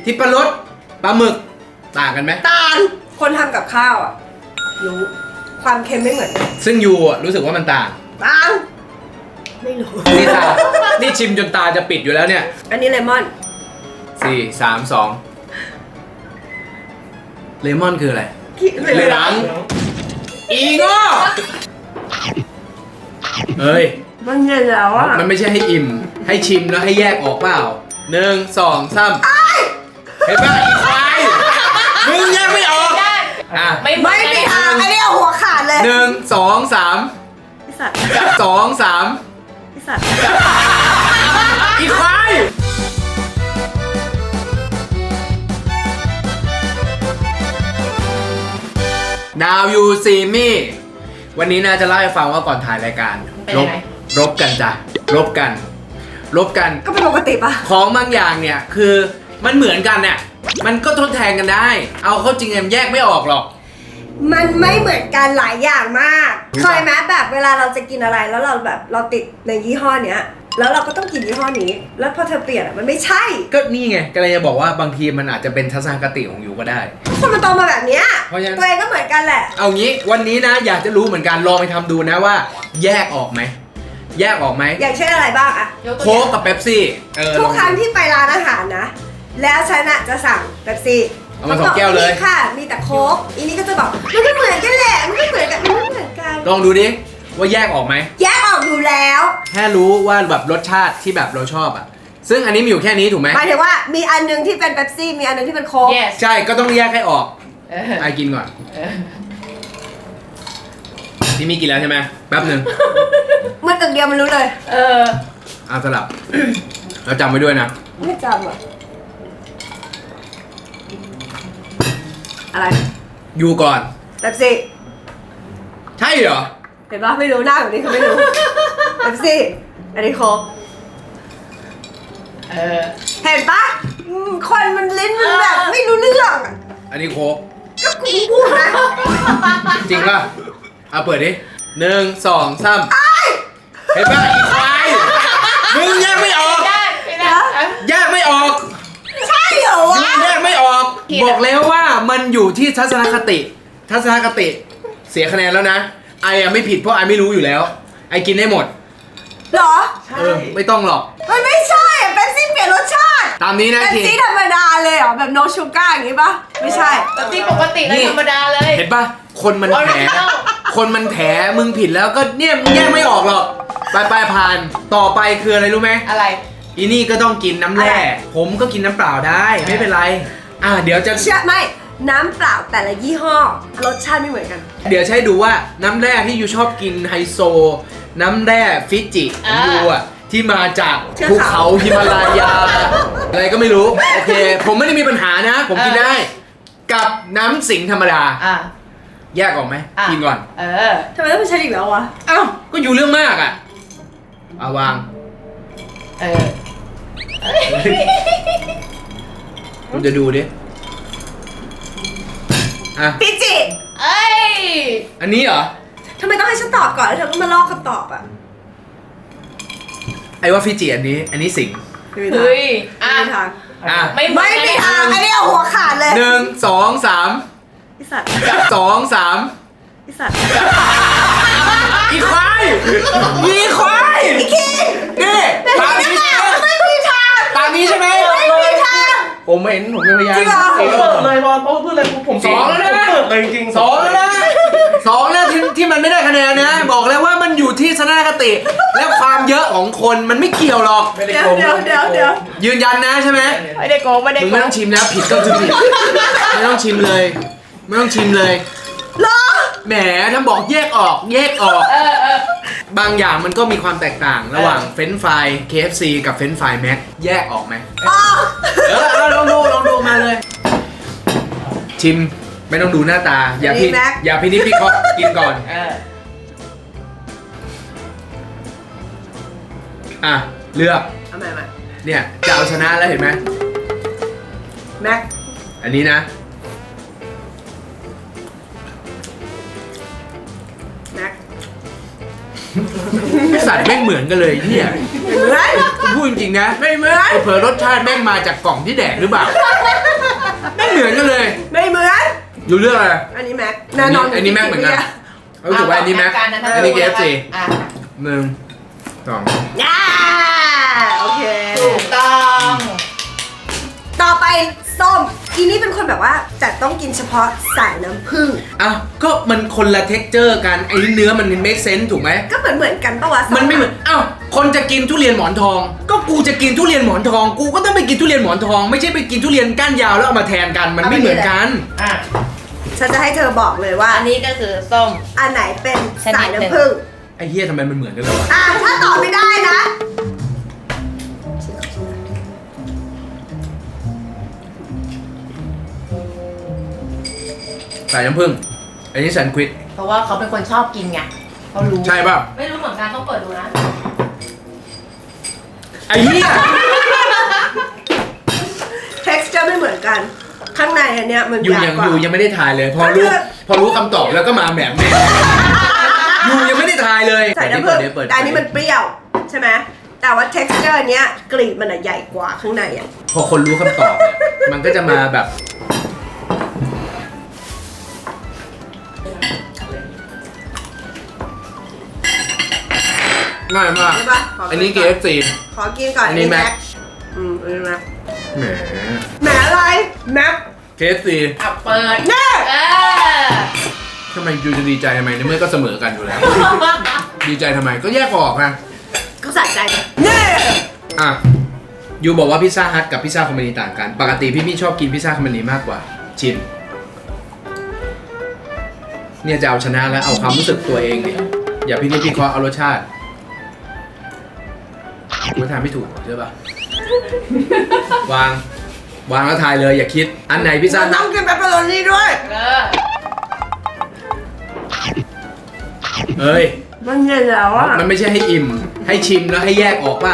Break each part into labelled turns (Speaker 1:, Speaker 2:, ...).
Speaker 1: ทิพรสปลาหมึกต่างกันไหม
Speaker 2: ต่างคนทำกับข้าวอ่ะรู้ความเค็มไม่เหมือนกัน
Speaker 1: ซึ่งยูอะรู้สึกว่ามันต่าง
Speaker 2: ต่างไม่รู้
Speaker 1: นี่ตานี่ชิมจนตาจะปิดอยู่แล้วเนี่ย
Speaker 2: อันนี้เลมอน
Speaker 1: 4 3 2เลมอนคืออะไร เหลืองอีโง่เฮ้ย
Speaker 2: มันเย็นแล้วอ่ะ
Speaker 1: มันไม่ใช่ให้อิ่ม ให้ชิมแล้วให้แยกออกเปล่า1 2 3เห็นป่ะอีควายมึงแยกไม่ออกอ่ะ
Speaker 2: ไม่มีทางอันนี้เอาหัวขาดเลย
Speaker 1: 1 2 3
Speaker 2: ไอ้สัตว์
Speaker 1: 2 3
Speaker 2: ไอ้สัตว์
Speaker 1: อีควาย Now you see me วันนี้น่าจะเล่าให้ฟังว่าก่อนถ่ายรายการรบกันจ้ะรบกัน
Speaker 2: ก็เป็นปกติปะ
Speaker 1: ของบางอย่างเนี่ยคือมันเหมือนกันเนี่ยมันก็ทดแทนกันได้ เอาเข้าจริงแยกไม่ออกหรอก
Speaker 2: มันไม่เหมือนกันหลายอย่างมาก
Speaker 1: รู้ปะ
Speaker 2: เคยไหมแบบเวลาเราจะกินอะไรแล้วเราแบบเราติดในยี่ห้อเนี้ยแล้วเราก็ต้องกินยี่ห้อนี้ แล้วพอเธอเปลี่ยนอะมันไม่ใช่
Speaker 1: ก็นี่ไงก็เลยจะบอกว่าบางทีมันอาจจะเป็นทัศนคติของยูก็ได้
Speaker 2: คนมันโตมาแบบเนี้ย
Speaker 1: เพราะฉะนั้น
Speaker 2: ตัวเองก็เหมือนกันแหละ
Speaker 1: เอางี้วันนี้นะอยากจะรู้เหมือนกันลองไปทำดูนะว่า แยกออกไหมแยกออกไหม
Speaker 2: อย่างเช่นอะไรบ้างอะ
Speaker 1: โค้กกับเป๊ปซี่
Speaker 2: ทุก
Speaker 1: ลอง
Speaker 2: ครั้งที่ไปร้านอาหารนะ แล้วฉันอะจะสั่งเป๊ปซี่
Speaker 1: เอามา2 แก้วเลย
Speaker 2: นี่ค่ะ มีแต่โค้กอีนี่ก็จะบอกมันไม่เหมือนกันแหละมันไม่เหมือนกันมันไม่เหมือนกัน
Speaker 1: ลองดูดิว่าแยกออกไหม
Speaker 2: แยกออกอยู่แล้ว
Speaker 1: แค่รู้ว่าแบบรสชาติที่แบบเราชอบอ่ะซึ่งอันนี้มีอยู่แค่นี้ถูกไหม
Speaker 2: หมายถึงว่ามีอันนึงที่เป็นเป๊ปซี่มีอันนึงที่เป็นโค้ก
Speaker 3: yes
Speaker 1: ใช่ก็ต้องแยกให้ออก
Speaker 3: เออ
Speaker 1: ไอกินก่อน
Speaker 3: เออ
Speaker 1: ที่มีกินแล้วใช่ไหมแป๊บหนึ่ง
Speaker 2: มันตึกเดียวมันรู้เลย
Speaker 3: เออ
Speaker 1: เอาสลับ เราจำไว้ด้วยนะ
Speaker 2: ไม่จำอะอะไร
Speaker 1: ยูก่อน
Speaker 2: เป๊ปซี่
Speaker 1: ใช่เหรอ
Speaker 2: เห็นปะไม่รู้หน้าแบบนี้เขาไม่รู้ เป๊ปซี่อันนี้โค้ก
Speaker 3: เออ
Speaker 2: เห็นปะคนมันลิ้นมันแบบไม่รู้เรื่องอะ
Speaker 1: อันนี้โค้ก
Speaker 2: ก็กูพูดนะ
Speaker 1: จริงป่ะเอาเปิดดิ1 2 3เห็นป่ะอีควายมึงแยกไม่ออก
Speaker 3: ไม่ได้
Speaker 1: แยกไม่ออก
Speaker 2: ใช่เหรอวะ
Speaker 1: แยกไม่ออก บอกแล้วว่ามันอยู่ที่ทัศนคติ เสียคะแนนแล้วนะไออะไม่ผิดเพราะไอไม่รู้อยู่แล้ว ไอกินได้หมด
Speaker 2: เหรอ
Speaker 1: ไม่ต้องหรอก
Speaker 2: มันไม่ใช่อะเป๊ปซี่เปลี่ยนรสชาติ
Speaker 1: ตามนี้นะ
Speaker 2: เป๊ป
Speaker 1: ที
Speaker 2: ซี่ธรรมดาเลยเหรอแบบ no sugar อย่างงี้ปะไม่ใช่
Speaker 3: แต่ที่ปกติเลยธรรมดาเลย
Speaker 1: เห็นป่ะคนมันแถ
Speaker 3: Original
Speaker 1: คนมันแถมึงผิดแล้วก็เนี่ยมึงแยกไม่ออกหรอกไปผ่านต่อไปคืออะไรรู้ไหม
Speaker 3: อะไร
Speaker 1: อีนี่ก็ต้องกินน้ำแร่
Speaker 2: อะไร
Speaker 1: ผมก็กินน้ำเปล่าได้ไม่เป็นไรเดี๋ยวจะ
Speaker 2: เชื่อไม่น้ำเปล่าแต่ละยี่ห้อรสชาติไม่เหมือนกัน
Speaker 1: เดี๋ยวใช้ดูว่าน้ำแร่ที่ยูชอบกินไฮโซ น้ำแร่ฟิจิของยูอะที่มาจาก
Speaker 2: เทือก
Speaker 1: ภู
Speaker 2: เขา
Speaker 1: เขาฮิมาลายา อะไรก็ไม่รู้ โอเค ผมไม่ได้มีปัญหานะ ผมกินได้ กับน้ำสิงธรรมดา
Speaker 3: อ่ะ
Speaker 1: แยกออกไหม
Speaker 3: อ่ะ
Speaker 1: กินก่อน
Speaker 3: เออ
Speaker 2: ทำไมต้องเป็นฉันอีกแล้ววะ
Speaker 1: เอ้าก็อยู่เรื่องมากอะเอาวาง
Speaker 3: เออ
Speaker 1: ผมจะดูดิอ่ะ
Speaker 2: พิจิ
Speaker 3: เอ้ย
Speaker 1: อันนี้เหรอ
Speaker 2: ทำไมต้องให้ฉันตอบก่อนแล้วเธอก็มาลอกคำตอบอ่ะ
Speaker 1: ไอ้ว่าฟิจิอันนี้สิง
Speaker 3: เฮ้ย อ่ะ
Speaker 2: ไม่มีทาง
Speaker 1: อ่ะ
Speaker 3: ไม่
Speaker 2: ไม่มีทางอันนี้เอาหัวขาดเลย
Speaker 1: 1 2 3
Speaker 2: ไอ้สัตว์
Speaker 1: 2 3
Speaker 2: ไอ้สัตว์
Speaker 1: อีควายอีควายอีคิงนี่ตามนี้ใช่ไหม
Speaker 2: ไม่มีทาง
Speaker 1: ตามนี้ใช่ไหม
Speaker 2: ไม่มีทาง
Speaker 1: ผมเห็นผมเป็นพยาน
Speaker 2: จริงเหรอ
Speaker 4: ผมเปิดเลยบอลเพราะพูดเลยผม
Speaker 1: สองแล้วนะ
Speaker 4: เปิดเลยจริงๆ
Speaker 1: 2แล้วนะ2แล้วที่มันไม่ได้คะแนนนะ บอกแล้วว่ามันอยู่ที่ทัศนคติ และความเยอะของคนมันไม่เกี่ยวหรอก
Speaker 4: ไม่ได้
Speaker 2: เดี๋ย
Speaker 4: โก
Speaker 2: ว
Speaker 4: ง
Speaker 2: เดี๋ยว
Speaker 1: ยืนยันนะใช่ไหม
Speaker 3: ไม่ได้โกงไม่ได้
Speaker 1: มึง
Speaker 3: โก
Speaker 1: ไม่
Speaker 3: ง
Speaker 1: ต้องชิมนะผิดก็คือผิดไม่ต้องชิมเลย ไม่ต้องชิมเลย
Speaker 2: เหรอ
Speaker 1: แหมถ้าบอกแยกออก
Speaker 3: เออ
Speaker 1: บางอย่างมันก็มีความแตกต่างระหว่างเฟรนช์ฟราย KFC กับเฟรนช์ฟรายแม็กแยกออกไหม
Speaker 2: อ๋อ
Speaker 1: เอาลองดูมาเลย ชิมไม่ต้องดูหน้าตา อย่าพินิจพิเคราะห์กินก่อน
Speaker 3: เออ
Speaker 1: อ่ะ เลือก
Speaker 2: เอาใหม่
Speaker 1: เนี่ยจะเอาชนะแล้วเห็นไหม
Speaker 2: แม็ก
Speaker 1: อันนี้นะ
Speaker 2: แม็ก
Speaker 1: สัตว์แม่งเหมือนกันเลยเฮีย
Speaker 2: เหมือน
Speaker 1: พูดจริงๆนะ
Speaker 2: ไม่เหมือน
Speaker 1: เผลอรสชาติแม่งมาจากกล่องที่แดกหรือเปล่าไม่เหมือนกันเลย
Speaker 2: ไม่เหมือน
Speaker 1: ดูเรื่องอะไร
Speaker 2: อันนี้แม็กแน่นอน
Speaker 1: อันนี้แม็กเหมือนกันรู้สึกว่าอันนี้แม็กอันนี้ KFC
Speaker 3: อ่ะ
Speaker 1: หนึ่งสอง
Speaker 2: อ่าโอเค
Speaker 3: ถูกต้อง
Speaker 2: ต่อไปส้มอีนี่เป็นคนแบบว่าจะต้องกินเฉพาะสายน้ำผึ้ง
Speaker 1: อ้าวก็มันคนละเท็กเจอร์กันไอ้เนื้อมันเมคเซนส์ถูกไหม
Speaker 2: ก็เหมือนกันปะวะ
Speaker 1: มันไม่เหมือนอ้าวคนจะกินทุเรียนหมอนทอง ก็กูจะกินทุเรียนหมอนทอง กูก็ต้องไปกินทุเรียนหมอนทอง ไม่ใช่ไปกินทุเรียนก้านยาวแล้วเอามาแทนกัน มันไม่เหมือนกัน
Speaker 3: อ่ะ
Speaker 2: ฉันจะให้เธอบอกเลยว่า
Speaker 3: อันนี้ก็คือส้ม
Speaker 2: อันไหนเป็น
Speaker 3: ชนิด
Speaker 2: สาย
Speaker 3: หนึ่ง
Speaker 2: น้ำผึ้ง
Speaker 1: ไอ้เฮียทำไมมันเหมือนกันเลยวะ
Speaker 2: ถ้าตอบไม่ได้นะ
Speaker 1: สายน้ำผึ้งอันนี้แซนด์วิช
Speaker 3: เพราะว่าเขาเป็นคนชอบกินไงเขารู้
Speaker 1: ใช่ป่ะ
Speaker 3: ไม่รู้เหมือนกันต้องเปิดดูนะ
Speaker 1: ไอ้เหี้ย
Speaker 2: texture ไม่เหมือนกัน ข้างในอันเนี้ยมัน
Speaker 1: อยู่
Speaker 2: ใหญ่
Speaker 1: ยัง
Speaker 2: กว่า
Speaker 1: อยู่ยังไม่ได้ทายเลย พอรู้คำตอบแล้วก็มาแบบแม่อยู่ยังไม่ได้ทายเลย
Speaker 2: ใส่น้ำผึ้ง
Speaker 1: เปิด
Speaker 2: แต่อันนี้มันเปรี้ยวใช่ไหมแต่ว่า texture เนี้ยกลีบมันอะใหญ่กว่าข้างในอ่ะ
Speaker 1: พอคนรู้คำตอบเนี่ยมันก็จะมาแบบง่ายมาก
Speaker 2: ใช่ปะข
Speaker 1: อันนี้
Speaker 2: กิก่
Speaker 1: KFC
Speaker 2: ขอกินก่อน
Speaker 1: อันนี้แม็ก
Speaker 2: อันนี้แม็ก
Speaker 1: แหม
Speaker 2: แหมอะไรแม็ก
Speaker 1: KFC
Speaker 3: อ่ะเปิด
Speaker 2: แน่
Speaker 3: เออ
Speaker 1: ทำไมยูจะดีใจทำไมในเมื่อก็เสมอกันอยู่แล้ว ดีใจทำไมก็แยกออกนะ
Speaker 2: ก็สะใจแน่
Speaker 1: อ่ะยูบอกว่าพิซซ่าฮัทกับพิซซ่าคอมมานีต่างกัน ปกติพี่ชอบกินพิซซ่าคอมมานีมากกว่า ชิม เนี่ยจะเอาชนะแล้วเอาความรู้สึกตัวเองเนี่ยอย่าพี่เคราะห์เอารสชาติกูทำไม่ถูกใช่ปะวางแล้วทายเลยอย่าคิด อันไหนพิซซ่า
Speaker 2: ต้
Speaker 1: ฮั
Speaker 2: อ
Speaker 1: ท
Speaker 2: งกินเปปเปอโรนี่ด้วย
Speaker 3: เออ
Speaker 1: เอ้ย
Speaker 2: มันเย็นแล้วอ่ะ
Speaker 1: มันไม่ใช่ให้อิ่ม ให้ชิมแล้วให้แยกออกเปล่า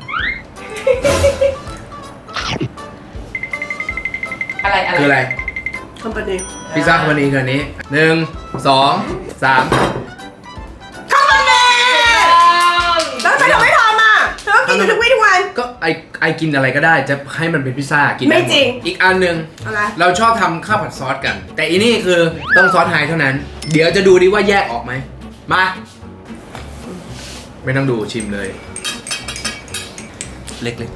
Speaker 3: อะไร
Speaker 1: คืออะไร
Speaker 2: คอมพานี
Speaker 1: พิซซ่าคอมมานีคืออันนี้หนึ่งสองสาม
Speaker 2: คอมพานีแล้วทำไมเธอไม่ทำอ่ะเธอต้องกินอยู่ทุกวี่ทุกวัน
Speaker 1: ก็ไอกินอะไรก็ได้จะให้มันเป็นพิซซ่ากินด้
Speaker 2: ไม่
Speaker 1: หด
Speaker 2: จริง
Speaker 1: อีกอันหนึ่ง
Speaker 2: อะไร
Speaker 1: เราชอบทำข้าวผัดซอสกัน แต่อีนี่คือต้องซอสไฮเท่านั้น เดี๋ยวจะดูดิว่าแยกออกไหมมา ไม่ต้องดูชิมเลย เล็ก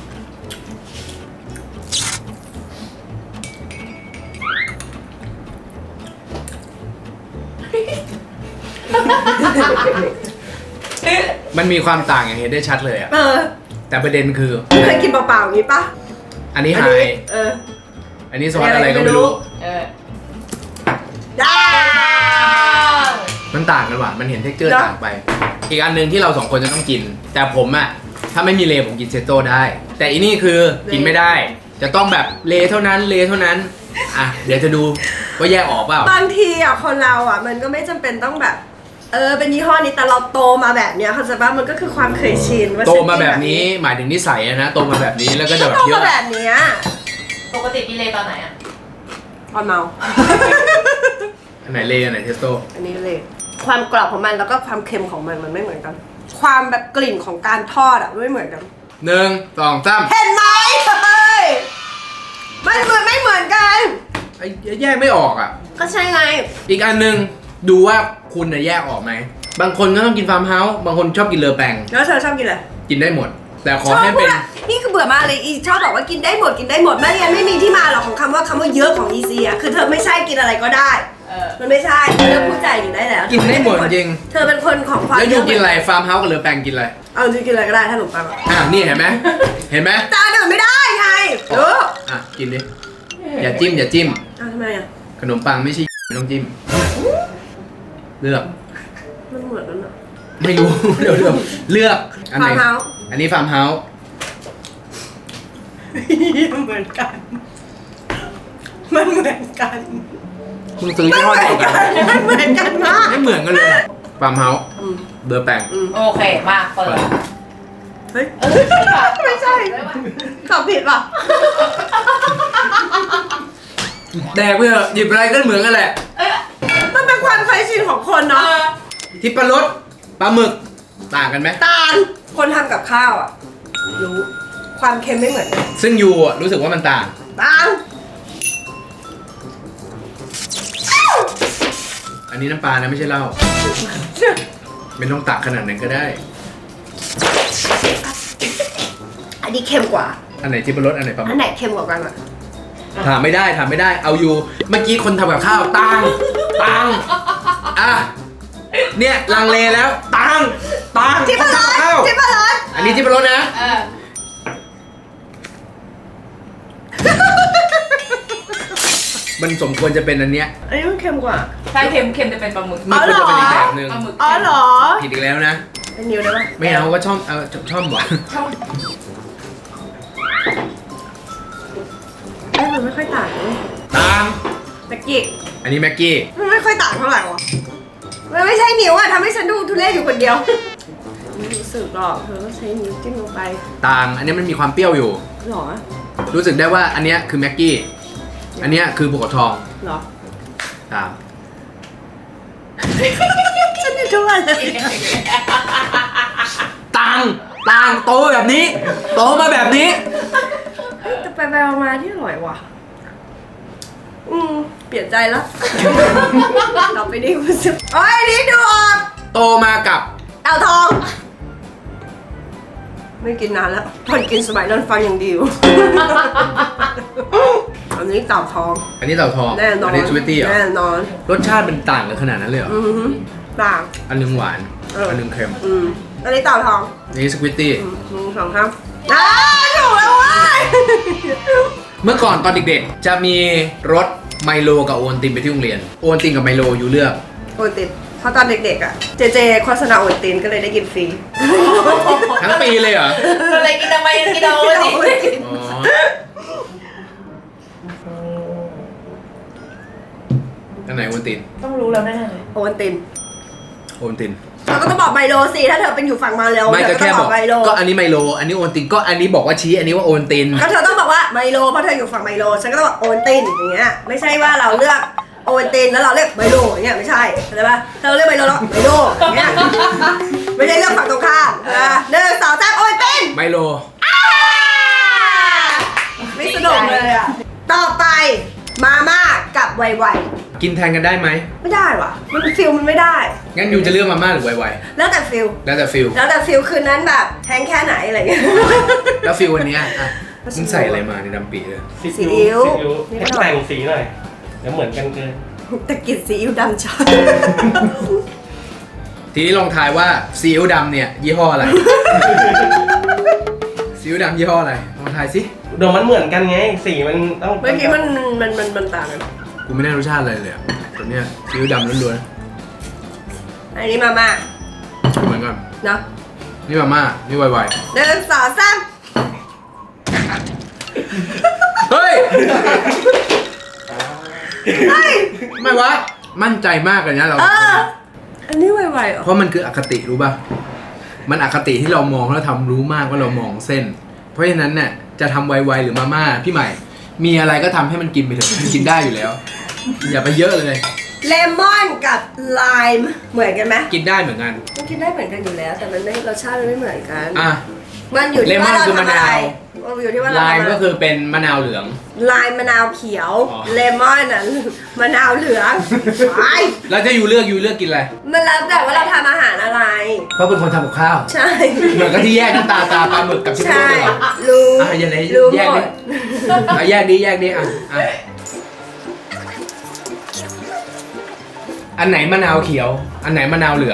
Speaker 1: ๆมันมีความต่างอย่างเห็นได้ชัดเลยอะแต่ประเด็นคือ
Speaker 2: เคยกินเปล่าๆอย่างนี้ปะ
Speaker 1: อันนี้ไฮ อันนี้ซอสอะไรก็ไม่รู้
Speaker 3: เออ
Speaker 2: ได้
Speaker 1: มันต่างกันว่ะ มันเห็นเท็กเจอร์
Speaker 2: เนอะ
Speaker 1: ต่างไป อีกอันหนึ่งที่เราสองคนจะต้องกิน แต่ผมอะถ้าไม่มีเลผมกินเซโต้ได้ แต่อีนี่คือกินไม่ได้ จะต้องแบบเลเท่านั้นอ่ะเดี๋ยวจะดูว่าแยกออกเปล่า
Speaker 2: บางทีอ่ะคนเราอ่ะมันก็ไม่จำเป็นต้องแบบ เป็นยี่ห้อนี้แต่เราโตมาแบบเนี้ยเข้าใจป่ะมันก็คือความเคยชินว่า
Speaker 1: โตมาแบบนี้หมายถึงนิสัยอะนะ โตมาแบบนี้แล้วก็จะแบบ
Speaker 2: โต
Speaker 1: เย
Speaker 2: มา
Speaker 1: อะ
Speaker 2: แบบเนี้ย
Speaker 3: ปกติกินเลยตอนไหนอ่ะ
Speaker 2: ตอนเมา
Speaker 1: อันไหนเลอันไหนเทสโต้
Speaker 2: อันนี้เลย ความกรอบของมันแล้วก็ความเค็มของมันไม่เหมือนกัน ความแบบกลิ่นของการทอดอ่ะไม่เหมือนกัน
Speaker 1: หนึ่งสองสาม
Speaker 2: เห็นไหมเฮ้ยไม่เหมือนกัน
Speaker 1: ไอ้แยกไม่ออกอะ
Speaker 2: ก็ใช่ไง
Speaker 1: อีกอันหนึ่งดูว่าคุณน่ะแยกออกไหม บางคนก็ต้องกินฟาร์มเฮาส์บางคนชอบกินเลอแปง
Speaker 2: แล้วเธอชอบกินอะไร
Speaker 1: กินได้หมด แต่ขอ
Speaker 2: ชอบ
Speaker 1: ให้
Speaker 2: พู
Speaker 1: เป็
Speaker 2: ด
Speaker 1: น
Speaker 2: อะนี่คือเบื่อมากเลยอีชอบบอกว่ากินได้หมดไม่งั้นไม่มีที่มาหรอกของคำว่าเยอะของอีซีอะคือเธอไม่ใช่กินอะไรก็ได้
Speaker 3: เออ
Speaker 2: มันไม่ใช่เธอเลิกพูดใจอยู่ได้แล้ว
Speaker 1: กินได้หมดจริง
Speaker 2: เธอเป็นคนของความ
Speaker 1: แล้วยูกินอะไรฟาร์มเฮาส์กับเลอแปงกินอะไร
Speaker 2: เอาจริงกินอะไรก็ได้ถ้าหนูปังอะ
Speaker 1: นี่เห็นไหมเห็นไหม
Speaker 2: จานอื่นไม่ได้ไงเออ
Speaker 1: อ่ะกินดิอย่าจิ้ม
Speaker 2: อ้าวทำไมอะ
Speaker 1: ขนมปังไม่ใช่ไม่ต้องจิ้มเลือก
Speaker 2: มันเหมือนกันอะ
Speaker 1: ไม่รู้ เดี๋ยวเลือกอันไหน
Speaker 2: ฟาร์มเฮาส์
Speaker 1: อันนี้ฟาร์มเฮาส์
Speaker 2: เหมือนกัน มันเหมือนกัน
Speaker 1: คุณซื้อยี่ห้อเดียวกัน
Speaker 2: มันเหมือนกันมาก
Speaker 1: ไม่เหมือนกันเลยฟาร์มเฮาส์เลอแปง
Speaker 3: โอเคมาเปิด
Speaker 2: เฮ้ย
Speaker 3: เออไม่
Speaker 2: ไม่ใช่ตอบผิดป่ะ
Speaker 1: แดกไปเถอะหยิบอะไรก็เหมือนกันแหละ
Speaker 2: มันเป็นความเคยชินของคนเนาะ
Speaker 1: ทิปปลารสปลาหมึกต่างกันไหม
Speaker 2: ตาลคนทำกับข้าวอ่ะรู้ความเค็มไม่เหมือนกัน
Speaker 1: ซึ่งยูอะรู้สึกว่ามันต่าง
Speaker 2: ต่าง
Speaker 1: อันนี้น้ำปลานะไม่ใช่เหล้าไม่ต้องตักขนาดนั้นก็ได้
Speaker 2: อันนี้เค็มกว่า
Speaker 1: อันไหนที่เป็นรสอันไหนปลาหมึ
Speaker 2: อั
Speaker 1: ก
Speaker 2: นไหนเค็มกว่ากันอ่ะ
Speaker 1: ถามไม่ได้เอาอยู่เมื่อกี้คนทำกับข้าวตังอ่ะเนี่ยลังเลแล้วตัง
Speaker 2: ที่ปลาร้อน
Speaker 1: ข้าว
Speaker 2: ที่ปลาร้อน
Speaker 1: อันนี้ที่เป็นรสนะ
Speaker 3: เออ
Speaker 1: มันสมควรจะเป็นอันเนี้ย
Speaker 2: อันนี้มันเค็มกว่า
Speaker 3: ใช่เค็มจะเป็นปลาหมึก
Speaker 1: มันควรจะเป็นอีกแบบหนึ่ง
Speaker 3: ปลาหมึก
Speaker 2: อ๋อเหรอ
Speaker 1: ผิดอีกแล้วนะ
Speaker 2: เป็นนิ้วได้ปะ
Speaker 1: ไม่เอาก็ช่อมหวาน
Speaker 2: มันไม่ค่อยต่างเลย
Speaker 1: ตัง
Speaker 2: ตะกี้
Speaker 1: อันนี้แม็กกี้
Speaker 2: มันไม่ค่อยต่างเท่าไหร่วะมันไม่ใช่นิ้วอะทำให้ฉันดูทุเรศอยู่คนเดียวไม่รู้สึกหรอกเธอก็ใช้นิ้วจิ้มลงไป
Speaker 1: ตังอันนี้มันมีความเปรี้ยวอยู่
Speaker 2: หรอ
Speaker 1: รู้สึกได้ว่าอันเนี้ยคือแม็กกี้ อันเนี้ยคือภูเขาทอง
Speaker 2: หรอ
Speaker 1: ตาม
Speaker 2: ฉันจะช่วยเลย
Speaker 1: ตังโตแบบนี้ โตมาแบบนี้
Speaker 2: แต่ไปมาที่อร่อยว่ะ เปลี่ยนใจแล้ว ต่อไปนี้คุณจะโอ้ยนี่ดูออก
Speaker 1: โตมากับ
Speaker 2: เต่าทอง ไม่กินนานแล้วตอนกินสมัยนั้นฟังอย่างดีอยู่ อันนี้เต่าทอง
Speaker 1: อันนี้เต่าทอง
Speaker 2: แน่นอน
Speaker 1: อันี้สวีตตี้เหรอ
Speaker 2: แน่นอน
Speaker 1: รสชาติเป็นต่างกันขนาดนั้นเลยเหรอ
Speaker 2: อือหือต่าง
Speaker 1: อันหนึงหวาน อันหนึงเค็ม
Speaker 2: อันนี้เต่าทอง
Speaker 1: อันนี้สควิตตี้
Speaker 2: สองครับถูกแล้วเว้ย
Speaker 1: เมื่อก่อนตอนเด็กๆ จะมีรสไมโลกับโอวัลตินไปที่โรงเรียน โอวัลตินกับไมโลอยู่เลือก
Speaker 2: โอนตินเพราะตอนเด็กๆอ่ะ เจโฆษณาโอนตินก็เลยได้กินฟรี
Speaker 1: ทั้งปีเลยเหรอ
Speaker 3: อะไรกินทำไมกินเอาสิ
Speaker 1: อ๋อ อันไหนโอวัลติน
Speaker 3: ต้องรู้แล้วแน่เลย
Speaker 2: โอนติน
Speaker 1: โอวัลติน
Speaker 2: เราก็ต้องบอกไมโลสิถ้าเธอเป็นอยู่ฝั่งมาเร็ว
Speaker 1: ไม่
Speaker 2: เธ
Speaker 1: ก็
Speaker 2: อก็
Speaker 1: แค่
Speaker 2: ต้อง
Speaker 1: บบ อ
Speaker 2: อก กไมโล
Speaker 1: ก็อันนี้ไมโล อันนี้โอวัลติน ก็อันนี้บอกว่าชี้ อันนี้ว่าโอวัลติน
Speaker 2: ก็เธอต้องบอกว่าไมโลเพราะเธออยู่ฝั่งไมโลฉันก็ต้องบอกโอนตินอย่างเงี้ยไม่ใช่ว่าเราเลือกโอนตินแล้วเราเลือกไมโลอย่างเงี้ยไม่ใช่เข้าใจปะเธอเลือกไมโลแล้วไมโลอย่างเงี้ยไม่ใช่เลือกฝั่งตรงข้าม1 2 3โอนติน
Speaker 1: ไมโล
Speaker 2: ไม่สนุกเลยอ่ะต่อไปมาม่ากับไวไว
Speaker 1: กินแทนกันได้ไหม
Speaker 2: ไม่ได้ว่ะมันฟิลมันไม่ได้
Speaker 1: งั้นยูจะเลือกมาม่าหรือไว
Speaker 2: แล้วแต่ฟิล
Speaker 1: ๆแล้วแต่ฟิล
Speaker 2: แล้วแต่ฟิลคืนนั้นแบบแทงแค่ไหนอะไรเงี้ย
Speaker 1: แล้วฟิลวันเนี้ยอ่ะมึงใส่อะไรมาในดำปีเลย
Speaker 2: ซีอิ๊ว
Speaker 4: ให้แต่งสีหน่อยเดี๋ยวเหมือนกันเกิน
Speaker 2: แต่กลินซีอิ๊วดำชอบ
Speaker 1: ทีนี้ลองทายว่าซีอิ๊วดำเนี่ยยี่ห้ออะไร ซีอิ๊วดำยี่ห้ออะไร ลองทายสิ
Speaker 4: เดี๋ยวมันเหมือนกันไง สีมันต้อง
Speaker 2: เมื่อกี้มันต่างกัน
Speaker 1: กูไม่ได้รสชาติอะไรเลยอะแต่เนี่ยซีอิ๊วดำล้วน
Speaker 2: อันนี้มาม่า
Speaker 1: ๆเหมือนกัน
Speaker 2: เนาะ
Speaker 1: นี่มาม่า นี่ไว
Speaker 2: 1 2 3
Speaker 1: ๆเฮ้ย
Speaker 2: เฮ้ย
Speaker 1: ไม่วะ มั่นใจมากเลยนะเรา
Speaker 2: อันนี้ไวๆเหรอ
Speaker 1: เพราะมันคืออคติรู้ป่ะ มันอคติที่เรามองแล้วทำรู้มากว่าเรามองเส้น เพราะฉะนั้นเนี่ยจะทำไวๆหรือมาม่าพี่ใหม่ มีอะไรก็ทำให้มันกินไปเถอะมันกินได้อยู่แล้ว อย่าไปเยอะเลย
Speaker 2: เลมอนกับไลม์เหมือนกันไหม
Speaker 1: กินได้เหมือนกัน
Speaker 2: มันกินได้เหมือนกันอยู่แล้ว แต่มันไม่รสชาติมันไม่เหมือนกัน
Speaker 1: อ่ะ
Speaker 2: มันอยู่ที่ว่าเรา
Speaker 1: เลมอนคือ
Speaker 2: ทำ
Speaker 1: มะ
Speaker 2: อะไร
Speaker 1: นาว
Speaker 2: มันอยู่ที่ว่าเรา
Speaker 1: ลาย
Speaker 2: ทำอะไร
Speaker 1: ก็คือเป็นมะนาวเหลือง
Speaker 2: ลายมะนาวเขียว
Speaker 1: อ๋อ
Speaker 2: เลมอนอ่ะมะนาวเหลืองไอ้
Speaker 1: แล้วจะยูเลือกกินอะไร
Speaker 2: มันแล้วแต่ว่าเราทำอาหารอะไร
Speaker 1: เพราะเป็นคนทำกับข้าว
Speaker 2: ใช่
Speaker 1: เหมือนกับที่แยกน้ำตาปลาหมึกกับชิม
Speaker 2: ใช่
Speaker 1: เลยเหรอ
Speaker 2: รู้
Speaker 1: อ่ะยังไง
Speaker 2: รู้
Speaker 1: แยก
Speaker 2: หม
Speaker 1: ดิ
Speaker 2: ด
Speaker 1: อ่ะแยกดิอ่ะอันไหนมะนาวเขียว อันไหนมะนาวเหลือง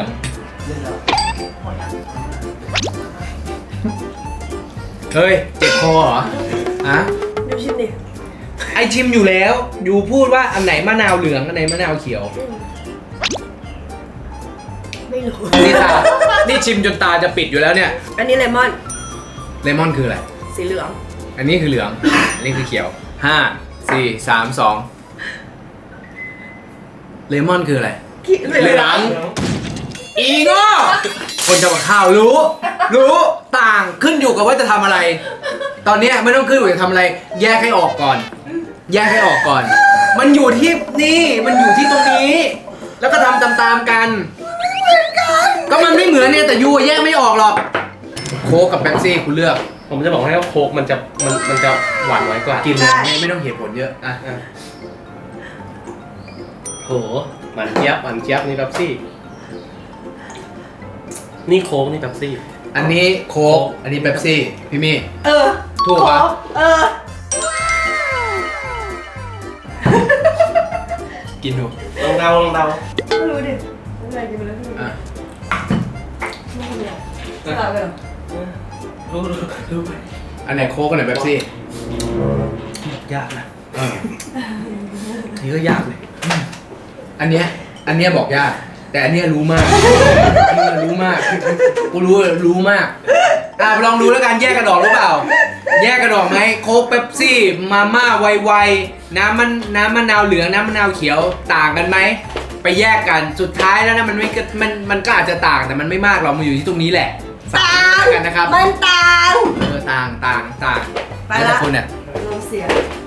Speaker 1: เฮ้ย เจ็บคอเหรออะ
Speaker 2: ดูชิมดิ
Speaker 1: ไอชิมอยู่แล้ว อยู่พูดว่าอันไหนมะนาวเหลือง อันไหนมะนาวเขียว
Speaker 2: ไม่รู้
Speaker 1: นี่ชิมจนตาจะปิดอยู่แล้วเนี่ย
Speaker 2: อันนี้เลมอน
Speaker 1: เลมอนคืออะไร
Speaker 2: สีเหลือง
Speaker 1: อันนี้คือเหลือง อันนี้คือเขียว 5 4 3 2 เลมอนคืออะไร เหลือง อีโง่คนทำกับข้าวรู้ต่างขึ้นอยู่กับว่าจะทำอะไร ตอนเนี้ยไม่ต้องขึ้นอยู่กับจะทำอะไร แยกให้ออกก่อน มันอยู่ที่นี่ มันอยู่ที่ตรงนี้ แล้วก็ทำตามๆกัน ก็มันไม่เหมือนเนี่ยแต่ยูแยกไม่ออกหรอก โค้กกับเป๊ปซี่คุณเลือก
Speaker 4: ผมจะบอกให้ว่าโค้กมันจะหวานน้อยกว่า
Speaker 1: กินเลยไม่ต้องเหตุผลเยอะ อ่ะ
Speaker 4: โหหวานเจี๊ยบหวานเจี๊ยบนี่เป๊ปซี่นี่โค้กนี่เป๊ปซี่
Speaker 1: อันนี้โค้กอันนี้เป๊ปซี่พี่มี่
Speaker 2: เออ
Speaker 1: ถูกปะ
Speaker 2: เออ
Speaker 1: กินดู
Speaker 4: ลองเดา
Speaker 2: ไม่รู้ดิไม่เป็นไรกินไปแล้วพี่
Speaker 1: อ่ะ
Speaker 2: ไม่คนเดียวตอบเลยเหรอ
Speaker 4: ดูไป
Speaker 1: อันไหนโค้กอันไหนเป๊ปซี่
Speaker 4: ยากนะ
Speaker 1: เออ
Speaker 4: นี่ก็ยากเลย
Speaker 1: อันเนี้ยบอกยากแต่อันเนี้ยรู้มากอันเนี้ยรู้มากกูรู้มากอ่ะลองดูแล้วกันแยกกันออกหรือเปล่า แยกกันออกไหมโค้กเป๊ปซี่มาม่าไวๆน้ำมะนาวเหลืองน้ำมะนาวเขียวต่างกันไหมไปแยกกันสุดท้ายแล้วนะมันก็อาจจะต่างแต่มันไม่มากหรอกมันอยู่ที่ตรงนี้แหละ
Speaker 2: ต่าง
Speaker 1: กันนะครับ
Speaker 2: มันต่าง
Speaker 1: ต่าง
Speaker 2: ไป
Speaker 1: แล้ว
Speaker 2: ละ
Speaker 1: แต่คุณเนี่ย
Speaker 2: ลมเสีย